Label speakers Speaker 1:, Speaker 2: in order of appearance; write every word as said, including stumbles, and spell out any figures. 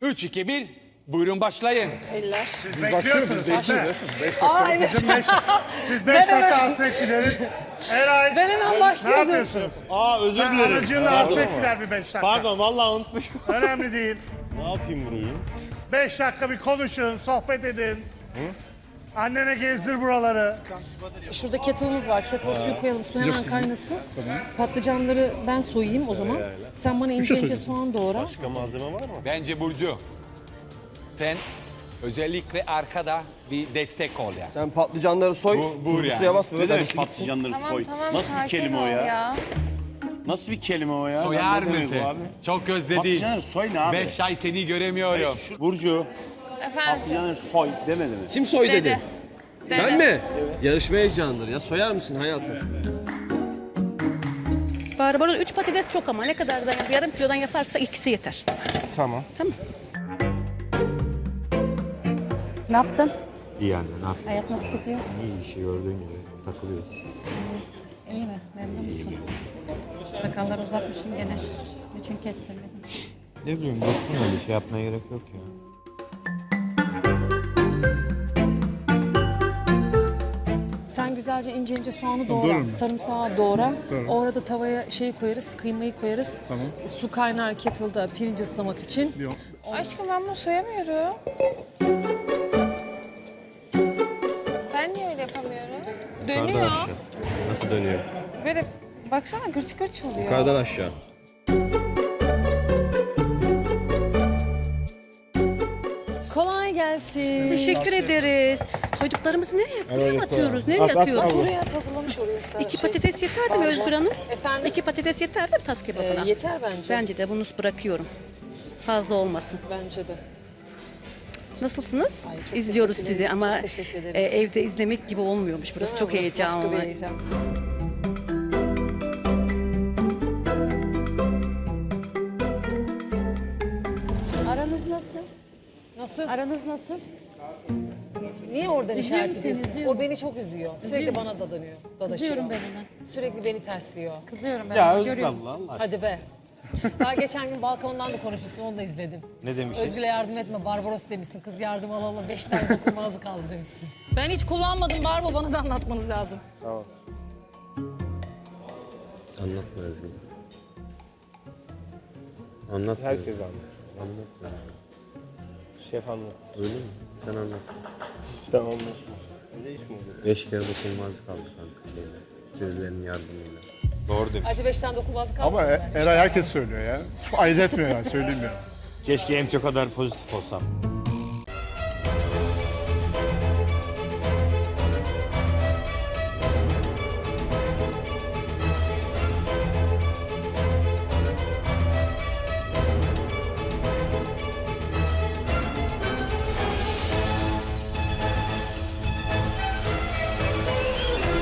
Speaker 1: üç, iki, bir. Buyurun başlayın.
Speaker 2: Eller.
Speaker 3: Siz bekliyorsunuz işte.
Speaker 2: Aa, evet.
Speaker 3: Sizin beş, siz beş
Speaker 2: hemen-
Speaker 3: dakika hasret giderin. Eray,
Speaker 2: Ben hemen
Speaker 3: ne
Speaker 2: başlıyordum.
Speaker 3: yapıyorsunuz?
Speaker 4: Aa özür
Speaker 3: Sen
Speaker 4: dilerim.
Speaker 3: aracınla hasret gider bir beş dakika.
Speaker 4: Pardon vallahi unutmuşum.
Speaker 3: Önemli değil.
Speaker 4: Ne yapayım burayı?
Speaker 3: Beş dakika bir konuşun, sohbet edin. Annene gezdir buraları.
Speaker 2: Şurada kettle'ımız var. Kettle'a suyu koyalım. Su hemen kaynasın. Patlıcanları ben soyayım o zaman. Sen bana ince ince soğan doğra.
Speaker 4: Başka malzeme var mı?
Speaker 1: Bence Burcu, sen özellikle arkada bir destek ol yani.
Speaker 5: Sen patlıcanları soy,
Speaker 1: Bu- bu
Speaker 5: tuzlu
Speaker 1: yani.
Speaker 5: suya basma.
Speaker 4: Ne
Speaker 5: Hadi
Speaker 4: demek
Speaker 5: gitsin.
Speaker 4: patlıcanları
Speaker 6: Tamam
Speaker 4: soy?
Speaker 6: tamam
Speaker 4: Nasıl bir
Speaker 6: sakin
Speaker 4: kelime o
Speaker 6: ol
Speaker 4: ya? Nasıl bir kelime o ya?
Speaker 1: Soyar
Speaker 4: Ne demek
Speaker 1: mısın?
Speaker 4: bu abi?
Speaker 1: Çok özledim.
Speaker 4: Patlıcanları soy ne abi?
Speaker 1: Beş ay seni göremiyorum.
Speaker 4: Burcu,
Speaker 6: Efendim.
Speaker 4: patlıcanları soy demedi mi?
Speaker 5: Kim soy dedi?
Speaker 6: Dede.
Speaker 5: Ben mi? Yarışma heyecanıdır ya. Soyar mısın hayatım?
Speaker 7: Barbaros üç patates çok ama ne kadar da yarım kilodan yaparsa ikisi yeter.
Speaker 5: Tamam.
Speaker 7: Tamam. Ne yaptın?
Speaker 8: İyi anne, ne yapayım?
Speaker 7: Hayat nasıl gidiyor?
Speaker 8: İyi işi gördüğün gibi takılıyoruz.
Speaker 7: İyi mi? Memnun musun? Sakalları uzatmışsın gene. Niçin kestirmedin?
Speaker 8: Ne bileyim, baksana öyle şey yapmaya gerek yok ya.
Speaker 2: Sen güzelce ince ince soğanı doğra. Sarımsağı doğra. Orada tavaya şeyi koyarız, kıymayı koyarız. Tamam. Su kaynar kettle'da pirinci ıslamak için.
Speaker 6: Aşkım ben bunu soyamıyorum. Ben niye öyle yapamıyorum?
Speaker 8: Yukarıdan
Speaker 6: Dönüyor.
Speaker 8: aşağı. Nasıl dönüyor?
Speaker 6: Böyle baksana gırç gırç oluyor.
Speaker 8: Yukarıdan aşağı.
Speaker 2: Kolay gelsin.
Speaker 7: Teşekkür ederiz. Soyduklarımızı nereye, buraya mı atıyoruz? Nereye atıyoruz?
Speaker 2: Buraya at, hazırlamış oraya. Sen-
Speaker 7: İki
Speaker 2: şey,
Speaker 7: patates yeter mi Özgür Hanım?
Speaker 2: Efendim?
Speaker 7: İki patates yeter mi tas kebabına?
Speaker 2: Ee, yeter bence.
Speaker 7: Bence de bunu bırakıyorum. Fazla olmasın.
Speaker 2: Bence de.
Speaker 7: Nasılsınız?
Speaker 2: Ay, çok
Speaker 7: İzliyoruz
Speaker 2: teşekkür
Speaker 7: sizi
Speaker 2: ederiz,
Speaker 7: ama
Speaker 2: çok teşekkür ederiz.
Speaker 7: e, evde izlemek gibi olmuyormuş. Burası çok
Speaker 2: Burası başka
Speaker 7: heyecanlı.
Speaker 2: bir heyecan.
Speaker 9: Aranız nasıl?
Speaker 2: Nasıl?
Speaker 9: Aranız nasıl?
Speaker 2: Niye oradan
Speaker 9: Üzüyor
Speaker 2: işaret
Speaker 9: mu seni,
Speaker 2: ediyorsun?
Speaker 9: üzüyor
Speaker 2: O beni çok üzüyor. Sürekli bana dadanıyor. Dadaşıyor.
Speaker 9: Kızıyorum ben ona.
Speaker 2: Sürekli beni tersliyor.
Speaker 9: Kızıyorum ben
Speaker 4: Ya
Speaker 9: ona.
Speaker 4: Özgür
Speaker 9: Görüyorum.
Speaker 4: abla Allah aşkına.
Speaker 2: Hadi be. Daha geçen gün balkondan da konuşmuşsun, onu da izledim.
Speaker 4: Ne demişsin?
Speaker 2: Özgür'e yardım etme, Barbaros demişsin. Kız yardım alalım, beş tane dokunmazı kaldı demişsin. Ben hiç kullanmadım Barbo, bana da anlatmanız lazım.
Speaker 8: Anlatma Özgür. Anlatma.
Speaker 10: Herkes anlar.
Speaker 8: Anlatma.
Speaker 10: Şef anlat.
Speaker 8: Öyle mi? Sen anlat.
Speaker 10: Sen anlat. Öyle iş mi olur?
Speaker 8: Beş kere dokunmaz kaldı kanka şeyle. Gözlerinin yardımıyla. Doğru demiş.
Speaker 2: Acı beş tane dokunmazı kaldı.
Speaker 3: Ama E- Eray herkes söylüyor ya. Ayırt etmiyor yani, söyleyeyim ya.
Speaker 4: Keşke hem çok kadar pozitif olsam.